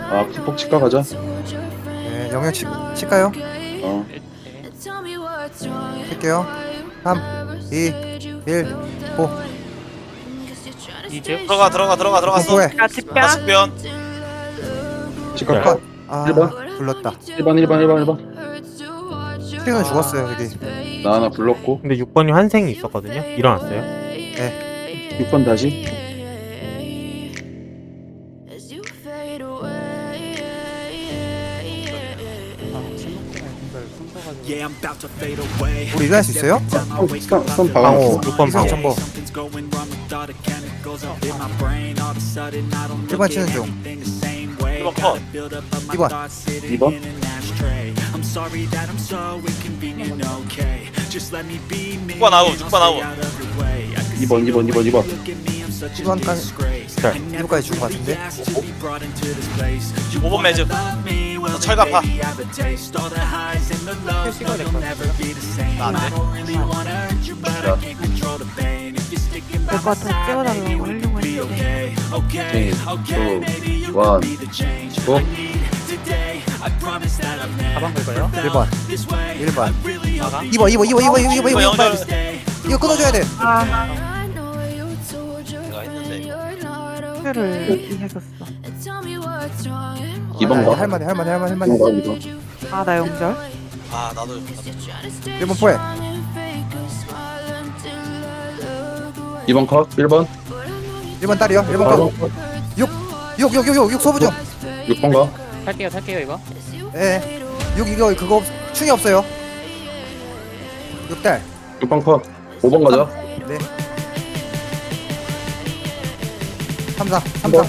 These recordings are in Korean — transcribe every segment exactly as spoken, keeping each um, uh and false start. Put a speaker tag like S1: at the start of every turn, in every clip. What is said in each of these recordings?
S1: 아 기폭 치과 가자.
S2: 네, 영역 치, 칠까요?
S1: 어
S2: 할게요. 삼, 이, 일, 오.
S3: 이제
S4: 들어가 들어가 들어가 들어갔어.
S2: 공포해.
S3: 야 집변
S4: 다섯변.
S1: 치과
S2: 컷.
S1: 컷.
S2: 아,
S1: 일 번.
S2: 불렀다.
S1: 일 번 일 번 일 번 일 번.
S2: 스피는 죽었어요, 여기.
S1: 나 하나 불렀고.
S3: 근데 육 번이 환생이 있었거든요. 일어났어요.
S2: 네.
S1: 육 번 다시.
S2: 우리 일어날 수 있어요?
S1: 손
S3: 방호
S1: 박아.
S3: 육 번
S2: 이성
S3: 방호.
S2: 정보. 일 번 치는 중.
S4: 일 번 컷.
S2: 이 번.
S1: 이 번.
S4: 육 번 아웃. 육 번 아웃.
S1: 이 번 이 번 이 번 이 번.
S2: 이 번까지. 일 번까지 죽은 것 같은데?
S4: 오 번 매즈. 철갑파. 나안 돼.
S5: 될것 같아 찍어달라고 하려고 했는데
S1: 삼, 이, 원, 고.
S3: 가방 긁어요?
S2: 일 번. 일 번.
S3: 나가?
S2: 이 번, 이 번, 이 번, 이 번, 이 번, 이 번, 이 번.
S4: 영절.
S2: 이거 끊어줘야 돼.
S5: 아
S4: 내가 했는데 이거.
S5: 표를 이해했었어.
S1: 이 번 가.
S2: 할만해, 할만해, 할만해,
S1: 이 번
S2: 할만해.
S1: 가. 이 번.
S5: 아 나 영절.
S4: 아 나도.
S2: 일 번 포해.
S1: 이 번 컷. 일 번.
S2: 일 번 딸이요. 일 번
S1: 사
S2: 거.
S1: 번 컷.
S2: 육, 육, 육, 육, 육 소부 중.
S1: 육 번 가.
S3: 탈게요 탈게요 이거.
S2: 예. 육 이거 그거 없, 충이 없어요. 육 딸.
S1: 육 번 컷. 오 번 가자.
S2: 네. 삼, 사, 삼,
S1: 번.
S2: 사.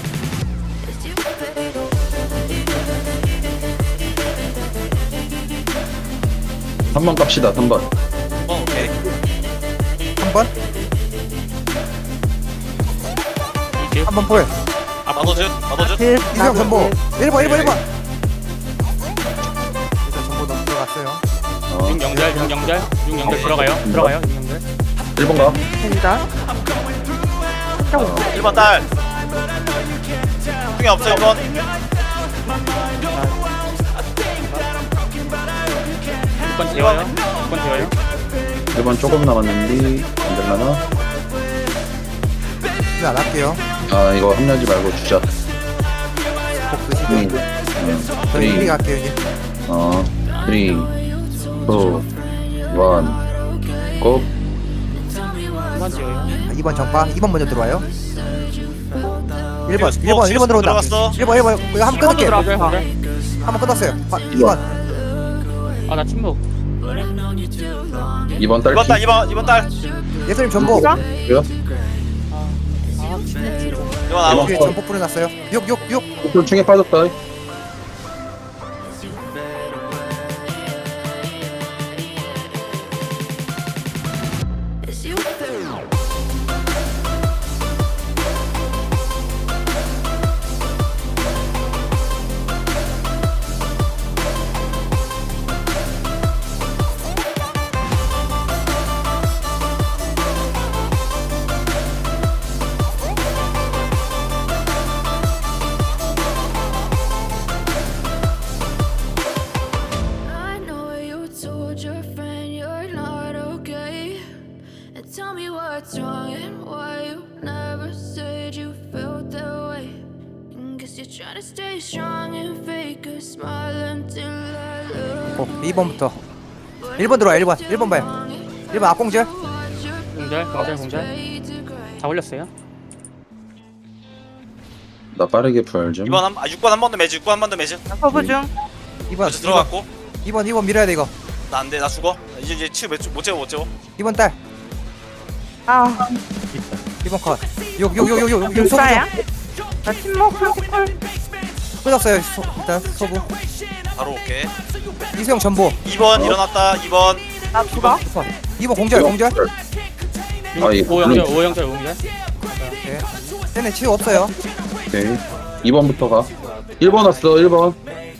S1: 삼 번 갑시다. 삼 번.
S4: 어 오케이.
S2: 삼 번.
S3: 이제
S2: 삼 번 포해.
S4: 나도 슛. 나도 슛.
S5: 그
S2: 이수영 전보. 일 번, 일 번, 일 번. 일단 전보 너무 들어갔어요.
S1: 어.
S3: 육 영절 육 영절 육 영절 들어가요. 들어가요 육 영절.
S1: 일 번 가.
S5: 영절.
S4: 일 번 딸. 중에 없어 일 번.
S3: 육 번 재워요. 육 번 재워요.
S1: 일 번 조금 남았는데 안 될라나?
S2: 이제 안 할게요.
S1: 아 이거 합류하지 말고 주자.
S2: 복 드시고.
S1: 음.
S2: 저희
S1: 음.
S2: 이리 갈게요, 이제.
S1: 어, 삼, 이, 일, 고.
S3: 육 번 재워요.
S2: 아, 이 번 정파. 이 번 먼저 들어와요. 일 번,
S4: 지금
S2: 일 번, 일 번 들어온다.
S4: 들어갔어.
S2: 일 번, 일 번. 이거 한 번 끊을게.
S3: 들어가.
S2: 한 번 끊었어요. 아, 이 번.
S3: 아나 침묵.
S1: 이 번
S4: 이 번
S1: 딸기.
S4: 딸. 이 번 이 번 딸.
S2: 예수님 전보.
S1: 뭐야?
S3: 아 침묵.
S4: 일 번 아웃.
S2: 여기 전보 뿌려놨어요. 육, 육, 육.
S1: 목표 충에 빠졌다.
S6: I know you told your friend you're not okay. And tell me what's wrong and why you never said you felt that way. And guess you're trying to stay strong and fake a smile until I look.
S2: 어, 이 번부터. 일 번 들어와, 일 번. 일 번 봐요. 일 번 앞공절.
S3: 공절 공절 공절. 다 올렸어요.
S1: 나 빠르게 부활 좀.
S4: 이 번 한, 아, 육 번 한 번 더 매즈. 육 번 한 번 더 매즈.
S5: 서부 중.
S2: 이 번.
S4: 매즈 들어갔고.
S2: 이 번, 이 번 밀어야 돼, 이거.
S4: 나 안 돼. 나 죽어. 이제 이제 치 못 채워 못 채워.
S2: 이 번 딸.
S5: 아
S2: 이 번 컷. 육, 육, 육, 육, 육, 육, 소부
S5: 육사야?
S2: 중.
S5: 나 침묵 삼십팔.
S2: 끊었어요, 소, 일단 소부.
S4: 바로 올게.
S2: 이수영 전보.
S4: 이 번 일어났다. 이 번.
S5: 나 죽어.
S2: 컷. 이 번 공절, 공절.
S1: 아, 이
S3: 오 영절 오 영절 오 영절.
S2: 네. 쟤네 치유 없어요.
S1: 오케이. 이 번부터 가. 일 번 왔어. 일 번.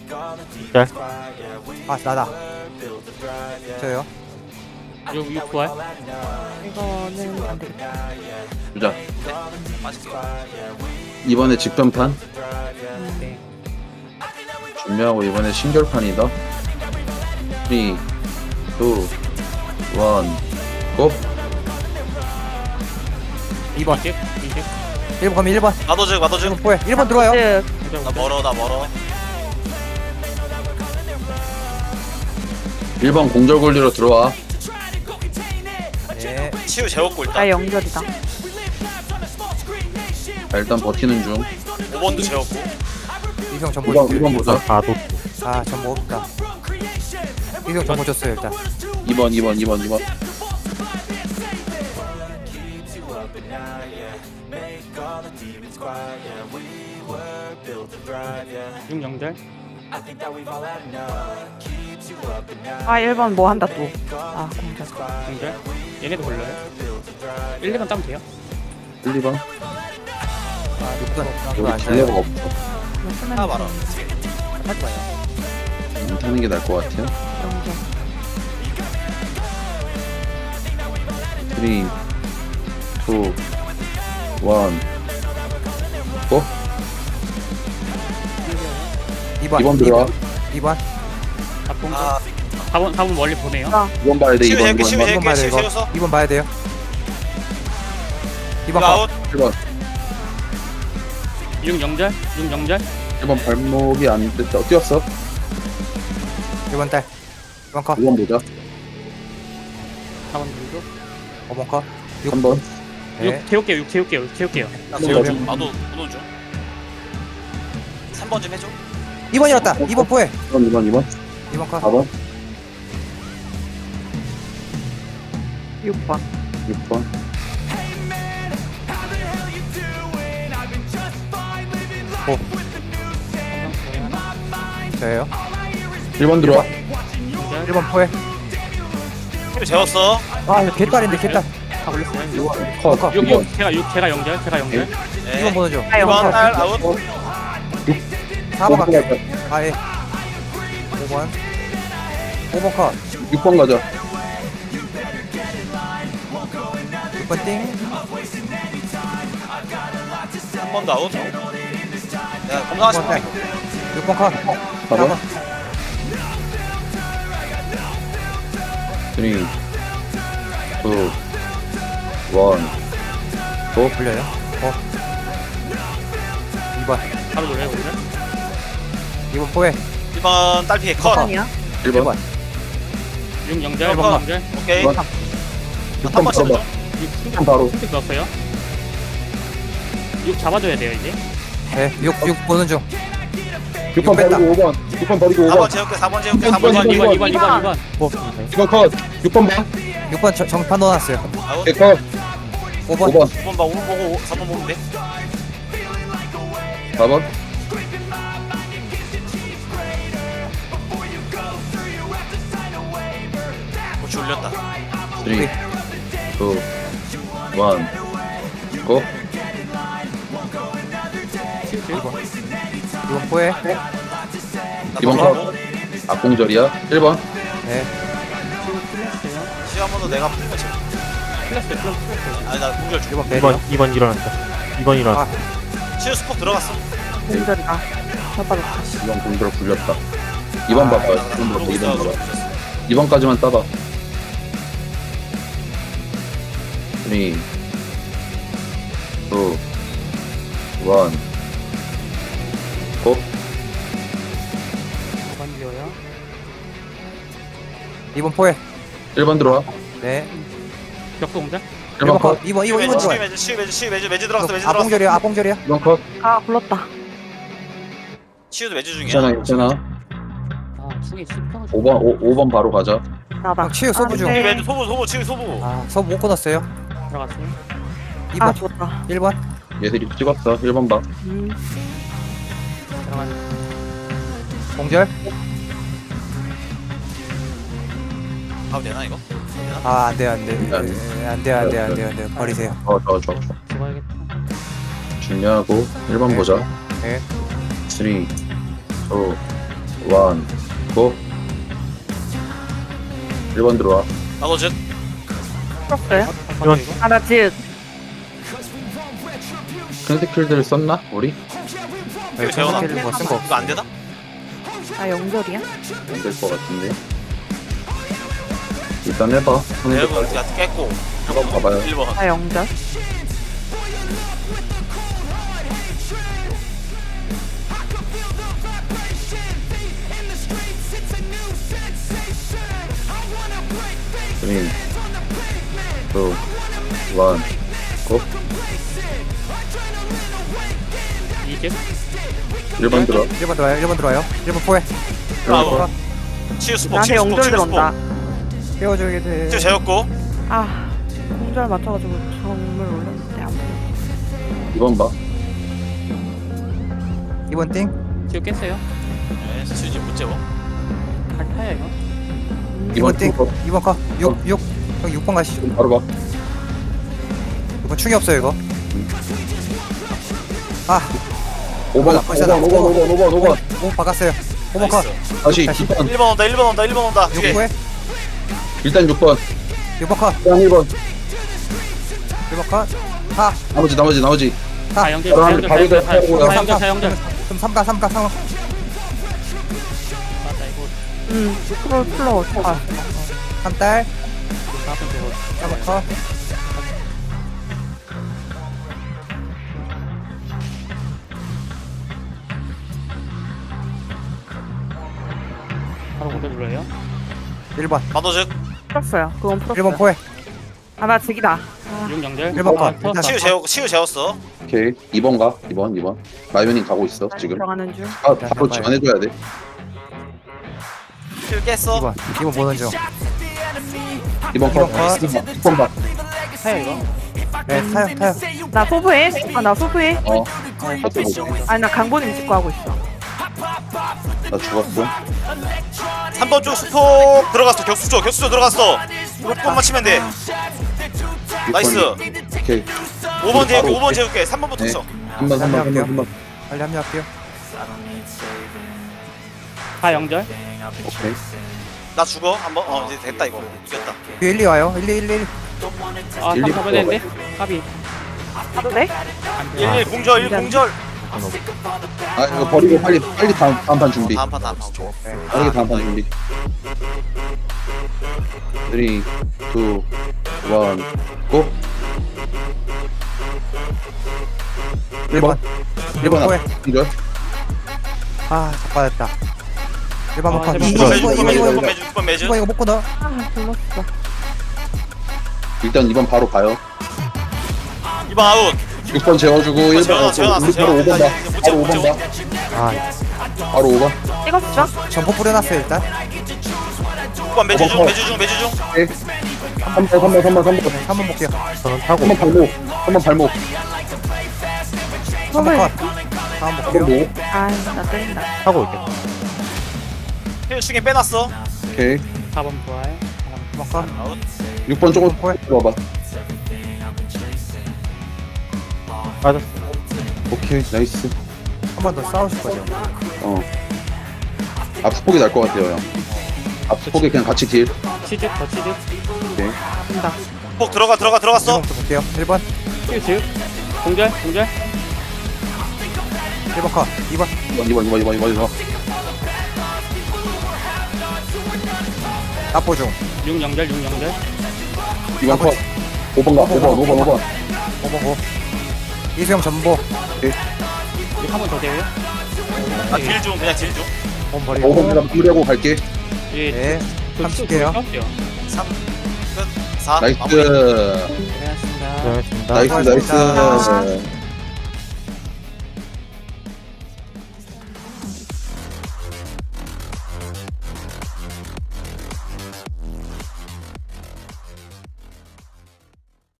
S2: 아, 나다. 저요.
S3: 육 육 부활.
S5: 이거는 안 되겠다.
S1: 주자.
S4: 맞을게.
S1: 이번에 직변판.
S3: 네.
S1: 준비하고 이번에 신결판이다. 삼, 이, 일, 고!
S2: 이 번
S3: 이십 이십
S2: 일 번 가면 일 번
S4: 나도 즉 나도 즉.
S2: 일 번 포획 일 번 들어와요.
S5: 네.
S3: 공절
S4: 나
S3: 공절
S4: 멀어 나 멀어.
S1: 일 번 공절 굴리로 들어와.
S2: 네
S4: 치유 재웠고
S5: 나
S4: 일단.
S5: 연결이다.
S1: 자, 일단 버티는 중.
S4: 오 번도 재웠고.
S2: 이병 전보
S1: 이 번, 이 번 보자.
S2: 아 전보 없다. 이병 전보 줬어요 일단.
S1: 이 번, 이 번, 이 번, 이 번.
S3: 육 연결
S5: 아 일 번 뭐 한다 또. 아 공절.
S3: 공절 얘네도 걸려요 일, 이 번 따면 돼요
S1: 일, 이 번.
S2: 아 육 번 그거
S1: 여기
S2: 안
S1: 딜레가
S2: 써요.
S1: 없어.
S5: 이거 쓰면
S4: 하나 말아.
S2: 하지 마요.
S1: 못 하는 게 나을 것 같아요.
S5: 연결.
S1: 삼, 이, 일, 고!
S2: 이 번
S1: 이 번 들어와.
S2: 이 번
S3: 사 번
S4: 아
S3: 사 번 사 번 멀리 보내요
S1: 이 번 봐야 돼, 이
S4: 치유
S1: 번,
S4: 재울게
S1: 이
S4: 치유
S1: 번,
S2: 이 번
S4: 재울게
S2: 봐야 돼
S4: 치유
S2: 이거.
S4: 재웠어.
S2: 이 번 봐야 돼요. 이 번
S4: 이거
S2: 컷.
S4: 아웃.
S1: 일 번.
S3: 육 연결 육 연결
S1: 일 번 발목이 안 됐다. 뛰었어.
S2: 일 번 딸. 이 번 컷.
S1: 이 번 보자.
S3: 사 번 정도
S2: 오 번 컷.
S1: 삼 번.
S2: 네.
S3: 육 태울게요 육 태울게요 육 태울게요
S4: 나
S1: 재울게.
S4: 중. 나도 보는 중. 삼 번 좀 해줘.
S2: 이 번이었다. 이 번 포획.
S1: 이 번, 이 번, 이 번.
S2: 이 번 컷.
S1: 사 번.
S5: 육 번.
S1: 육 번.
S2: 저예요.
S1: 일 번 들어와.
S2: 일 번 포획.
S4: 치유 재웠어.
S2: 아 이거 개딸인데 개딸.
S3: 다 걸렸어요
S1: 일 번. 컷.
S2: 컷.
S3: 육,
S1: 이 번.
S3: 육 제가 육 제가 연결 제가 연결
S4: 네.
S2: 이 번 보는 중.
S5: 아
S4: 이 번
S5: 연결.
S4: 딸 아웃.
S2: 사 번 갈게. 아 예. 오 번. 오 번 컷.
S1: 육 번 가자.
S2: 육 번 띵.
S4: 한 번도 아웃. 야
S2: 육
S4: 건강하신
S2: 번 딸.
S4: 분.
S2: 육 번 컷.
S1: 사 번. 삼, 이, 일, 고!
S2: 불려요. 어. 이 번.
S3: 바로 돌려요 공절
S2: 이 번 포획.
S4: 일 번 딸피 컷.
S5: 아니야?
S1: 일
S2: 일
S1: 번.
S2: 번.
S3: 육 연결
S4: 일
S3: 육
S4: 번.
S3: 연결
S4: 오케이.
S1: 일 번. 육 번
S4: 한 번씩
S1: 잡아.
S3: 육
S1: 육 번 바로.
S3: 승택 넣었어요 육 잡아줘야 돼요 이제
S2: 네. 육, 육 보는 중.
S1: 육 번
S2: 뺐다.
S1: 버리고 오 번. 육 번 버리고 오
S4: 사
S1: 번.
S4: 번 재울게 사 번 재울게 사
S1: 이
S4: 번
S1: 번,
S3: 이
S4: 재울게.
S3: 번 이 번 이 번 이 번
S1: 이 번 컷. 육 번 봐.
S2: 육 번 저- 정판 넣어놨어요.
S4: 아웃.
S1: 오케이, 컷.
S2: 오 번.
S1: 오 번.
S4: 오 번 봐 오 번 보고 사 번 보면 돼.
S1: 사 번.
S4: 고치 올렸다.
S1: 삼, 이, 일, 고!
S2: 이 번 포획.
S1: 이 번 컷. 악공절이야. 일 번.
S2: 네.
S4: 치유 한 번도 내가 풀면 재워.
S3: 플러스 플러스 플러스
S4: 아니 나 공절 중.
S2: 일 번
S7: 이
S2: 배려.
S7: 번 이 번 일어났다. 이 번 일어났다.
S2: 아,
S4: 치유 스폭 들어갔어.
S5: 공절이다. 잡아줬다.
S1: 이 번 공절 굴렸다. 이 번 봐봐. 이 번 봐봐. 이 번 봐봐. 이 번까지만 따봐. 삼, 이, 일, 고!
S3: 오 번 비어요
S2: 이 번 포획.
S1: 일 번 들어와.
S2: 네.
S3: 격수 공절
S1: 일 번 컷.
S2: 이 번, 이 번, 이 번
S4: 치유
S2: 들어와요.
S4: 매주 치유 매주 치유 매주 매주 들어갔어 매주 들어갔어.
S2: 앞봉절이야, 앞봉절이야.
S1: 일 번 컷.
S5: 아 불렀다.
S4: 치유도 매주 중이야.
S1: 괜찮아, 괜찮아.
S3: 아 충이 씹혀가지고
S1: 오 번, 오, 오 번 바로 가자.
S5: 나다.
S2: 형, 치유 소부 중.
S5: 아,
S4: 치유
S5: 네.
S4: 매주 소부 소부 치유 소부.
S2: 아, 서브 못 끊었어요.
S3: 들어갔어요
S2: 이
S5: 아
S2: 번,
S5: 좋다.
S2: 일 번.
S1: 얘들이 찍었어. 일 번 봐.
S5: 음.
S3: 들어간
S2: 공절.
S4: 가도 되나 이거?
S2: 아, 안 돼요, 안 돼.
S1: 안 돼.
S2: 예, 안 돼요, 안 돼요, 안 돼요, 안 돼요. 버리세요.
S1: 어, 좋아, 좋아, 좋아.
S3: 죽어야겠다
S1: 중요하고 일 번
S2: 네.
S1: 보자.
S2: 네.
S1: 삼, 이, 일, 고! 일 번 들어와.
S4: 나도 즉.
S5: 풀었어요?
S7: 이번.
S5: 아나 즉.
S1: 큰 스킬들 썼나? 우리?
S2: 네,
S4: 재워놔.
S2: 전스킬을 뭐쓴거 없어.
S4: 이거 안 되나?
S5: 아 영절이야?
S1: 안 될 것 같은데. 일단 해봐. 손에
S4: 여러분 야 깼고
S1: 한번 봐봐요.
S4: 일 번
S5: 아 영절.
S1: 쓰리, 투, 원, 고.
S3: 이집
S1: 일 번 들어.
S2: 일 번 들어와요. 일 번 들어와요. 일 번 포획.
S4: 브라보 치유 스폭
S5: 나한테
S4: 치유 스폭
S5: 영절
S4: 치유
S5: 들어온다.
S4: 스폭
S2: 깨워줘야 돼.
S4: 치유 재웠고
S5: 아 공절 맞춰가지고 정말 올랐는데 안 보여.
S1: 이 번 봐.
S2: 이 번 띵.
S3: 지금 깼어요.
S4: 네 치유 이제 못 재워
S3: 갈 타야 이거.
S2: 이 번 띵.
S1: 띵.
S2: 이 번 컷. 육, 육. 형 육 번 가시죠.
S1: 바로 봐.
S2: 육 번 충이 없어요 이거. 아,
S1: 오 번, 오
S2: 아,
S1: 번, 오 번, 오 번, 오 번, 오 번.
S2: 오 박았어요. 오 번 컷.
S4: 나이스.
S1: 다시
S2: 다시.
S1: 이 번.
S4: 일 번 온다 일 번 온다 일 번 온다
S2: 육
S4: 뒤에
S2: 포획.
S1: 일단 육 번.
S2: 육 번 컷.
S1: 일단 일 번.
S2: 일 번 컷. 사.
S1: 나머지, 나머지, 나머지.
S3: 다 영절
S1: 바로
S3: 다
S1: 한-
S3: 영절
S1: 바로
S3: 다 영절
S1: 바로
S3: 다 영절 다 영절.
S2: 그럼 삼 가, 삼 가, 삼 가.
S3: 맞다 이거
S5: 음 프로 플러. 아
S2: 삼 딸.
S3: 사분 되고.
S2: 삼 번 컷.
S3: 바로 공절 눌러요.
S2: 일 번.
S4: 마도즉
S5: 풀었어요. 그건 풀었어요.
S2: 일 번 포획.
S5: 아나 직이다.
S3: 육 영절.
S2: 일 번 컷.
S3: 아, 터졌다.
S4: 치유 재웠고 치유 재웠어
S1: 오케이. 이 번 가. 이 번, 이 번. 마이오닝 가고 있어, 지금.
S5: 들어가는 중.
S1: 아, 바로 지원해줘야 돼.
S4: 치유 깼어
S2: 이 번. 이 번 보는 중.
S1: 이 번
S2: 이 번
S1: 컷.
S2: 컷.
S1: 육 번 봐.
S3: 타야 이거.
S2: 네, 타요, 타요.
S5: 나 소부해. 아나 소부해.
S1: 어. 하트 보고.
S5: 아니 나 강보님 찍고 하고 있어.
S1: 나 죽었어.
S4: 삼 번 쪽 스폭 들어갔어 격수조 격수조 들어갔어 육 번만 치면 돼
S1: 육
S4: 나이스.
S1: 번. 오케이.
S4: 오 번 재울게
S1: 바로
S4: 오 번 재울게 삼 번부터
S1: 네.
S4: 쳐
S1: 한 번, 한 번, 한 번, 한 번.
S2: 빨리 합류할게요.
S3: 다 영절.
S1: 오케이.
S4: 나 죽어 한번 어 이제 됐다 이거 이겼다
S2: 뒤에 일, 이 와요. 일, 이, 일, 일.
S3: 아
S1: 일리
S3: 삼 타면 되는데. 까비.
S5: 가도 돼?
S4: 일 일 공절 일 공절
S1: 아, 이거 버리고 빨리, 빨리 다음, 다음 판 준비.
S4: 다음 판 다음 판
S1: 빠르게 다음 판 준비. 삼, 이, 일, 고! 일 번. 일 번
S2: 포획.
S1: 앞. 이절.
S2: 아, 자빠졌다. 일 번
S3: 아,
S2: 컷.
S3: 제발.
S2: 이
S4: 육 번
S2: 번,
S4: 매주
S2: 이
S4: 육
S2: 번,
S4: 번
S2: 이
S4: 매주
S2: 번,
S4: 육
S2: 이
S4: 번 매주 육 번 매주
S2: 번 이거 못 끊어.
S5: 아 불렀어.
S1: 일단 이 번 바로 가요.
S4: 이 번 아웃
S1: 육 번 재워주고 일 번.
S4: 재워놨어, 재워놨어,
S1: 우리 바로 오 번 봐.
S4: 재워놨어.
S1: 바로 오
S4: 못
S1: 번
S4: 재워,
S1: 봐.
S2: 아,
S1: 바로 오 번.
S5: 찍었어?
S2: 점포 뿌려놨어요, 일단.
S4: 육 번 매주 중 매주 중 매주 중
S1: 오케이. 삼 번, 삼 번, 삼 번, 삼 번.
S2: 한 번 볼게요.
S7: 저는 타고
S1: 한 번 발목. 한 번 발목.
S2: 한 번 컷. 다음
S1: 한 번
S2: 볼게요.
S1: 목.
S5: 아나 때린다.
S7: 타고 있겠다.
S4: 힐 중에 빼놨어
S1: 오케이.
S3: 사 번 좋아요.
S2: 한 번 컷.
S4: 아웃
S1: 육 번 조금
S2: 포획.
S1: 들어봐.
S7: 빠졌어.
S1: 오케이. 나이스.
S2: 한 번 더 싸우실 거죠.
S1: 어. 앞스폭이 날 것 같아요, 형. 앞스폭이 그냥 같이 딜.
S3: 치즈 더 치즈.
S1: 오케이.
S5: 간다.
S4: 폭 들어가 들어가 들어갔어
S2: 일 번부터 볼게요. 일 번.
S3: 치즈. 공절 공절.
S2: 일 번 컷. 이 번.
S1: 이 번, 이 번, 이 번, 이 번, 이 번, 이 번.
S2: 납보 중.
S3: 육 영절 육 영절.
S1: 이 번 컷. 오 번 가. 오 번, 오 번, 오 번.
S2: 오 번 고. 이수영 전보.
S3: 육 한 번 더 돼요.
S4: 아딜 중 그냥 딜중
S2: 오 번
S1: 오
S2: 버리고.
S1: 번 그냥 마무리하고 갈게.
S3: 예.
S2: 네.
S3: 그
S2: 삼십 개요.
S4: 삼 끝 사
S1: 나이스.
S4: 마무리
S3: 고생하셨습니다.
S7: 고생하셨습니다.
S1: 나이스,
S2: 수고하셨습니다.
S1: 나이스.